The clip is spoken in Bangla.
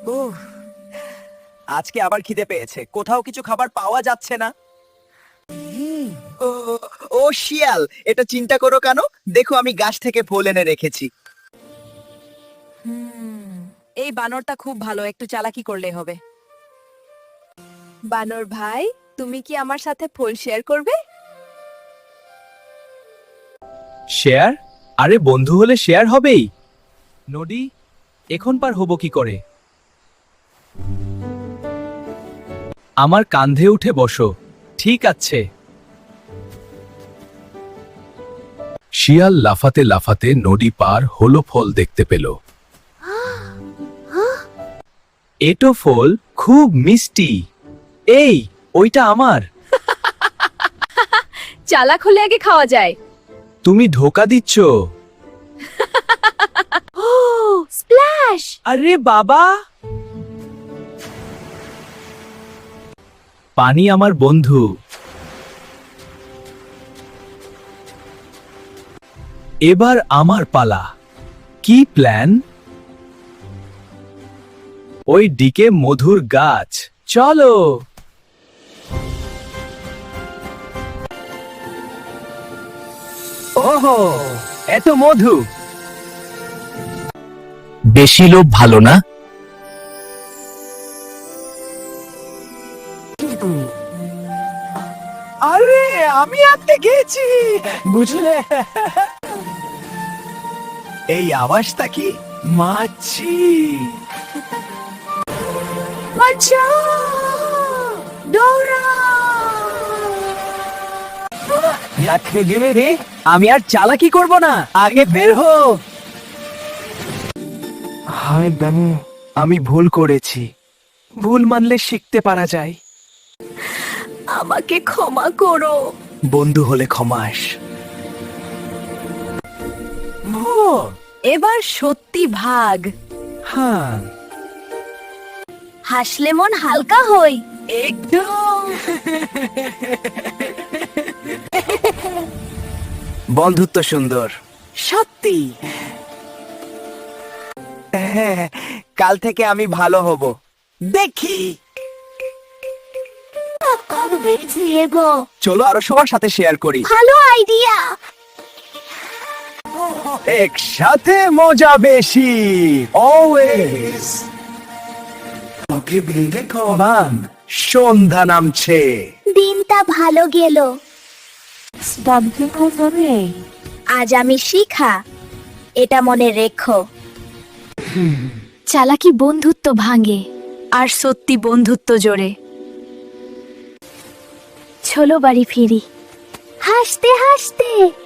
উফ, আজকে আবার খিদে পেয়েছে, কোথাও কিছু খাবার পাওয়া যাচ্ছে না। ও ও শিয়াল, এটা চিন্তা করো কেন? দেখো আমি গাছ থেকে ফল এনে রেখেছি। এই বানরটা খুব ভালো, একটু চালাকি করলে হবে। বানর ভাই, তুমি কি আমার সাথে ফল শেয়ার করবে? শেয়ার? আরে বন্ধু হলে শেয়ার হবেই। নদী, এখন পার হব কি করে? আমার কাঁধে উঠে বসো। ঠিক আছে। শিয়াল লাফাতে লাফাতে নদী পার হলো, ফল দেখতে পেল। এটো ফল খুব মিষ্টি। এই, ওইটা আমার। চালাক হলে আগে খাওয়া যায়। তুমি ধোকা দিচ্ছ। ও স্প্ল্যাশ! আরে বাবা, পানি আমার বন্ধু। এবার আমার পালা। কি প্ল্যান? ওই দিকে মধুর গাছ, চলো। ওহো, এত মধু। বেশি লোভ ভালো না। আরে আমি আটকে গেছি, বুঝলে? এই আওয়াজটা কি? মাছি। বাঁচাও! দৌড়াও! আটকে গেলে রে, আমি আর চালাকি করব না, আগে বের হো। হায় বাবু, আমি ভুল করেছি। ভুল মানলে শিখতে পারা যায়। আমাকে ক্ষমা করো। বন্ধু হলে ক্ষমাস। এবার সত্যি ভাগ। হ্যাঁ, হাসলে মন হালকা হই। একদম। বন্ধুত্ব সুন্দর, সত্যি। হ্যাঁ, কাল থেকে আমি ভালো হব, দেখি। চলো আরো সবার সাথে শেয়ার করি। ভালো আইডিয়া। একসাথে মজা বেশি, অলওয়েজ। ওকে বিলতে কমান, সন্ধ্যা নামছে। দিনটা ভালো গেল। আজ আমি শিখা, এটা মনে রেখো। চালাকি বন্ধুত্ব ভাঙে, আর সত্যি বন্ধুত্ব জোড়ে। চলো বাড়ি ফিরি, হাসতে হাসতে।